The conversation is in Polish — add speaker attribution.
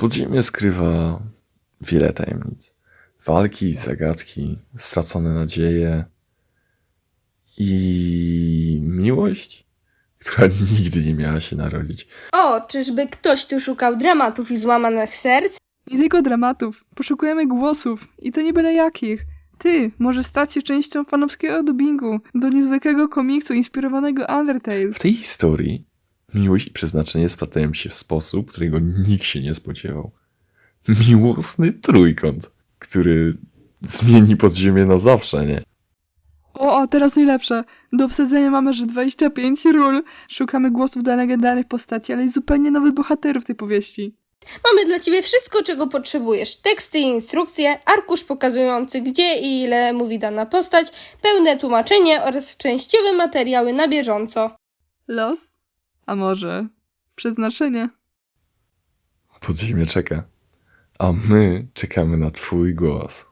Speaker 1: Podziemie skrywa wiele tajemnic. Walki, zagadki, stracone nadzieje i miłość, która nigdy nie miała się narodzić.
Speaker 2: O, czyżby ktoś tu szukał dramatów i złamanych serc?
Speaker 3: Nie tylko dramatów. Poszukujemy głosów. I to nie byle jakich. Ty możesz stać się częścią fanowskiego dubbingu do niezwykłego komiksu inspirowanego Undertale.
Speaker 1: W tej historii miłość i przeznaczenie splatają się w sposób, którego nikt się nie spodziewał. Miłosny trójkąt, który zmieni podziemie na zawsze, nie?
Speaker 3: O, teraz najlepsze. Do obsadzenia mamy aż 25 ról. Szukamy głosów dla legendarnych postaci, ale i zupełnie nowych bohaterów tej powieści.
Speaker 2: Mamy dla ciebie wszystko, czego potrzebujesz. Teksty i instrukcje, arkusz pokazujący gdzie i ile mówi dana postać, pełne tłumaczenie oraz częściowe materiały na bieżąco.
Speaker 3: Los? A może przeznaczenie?
Speaker 1: Podziemie czeka, a my czekamy na twój głos.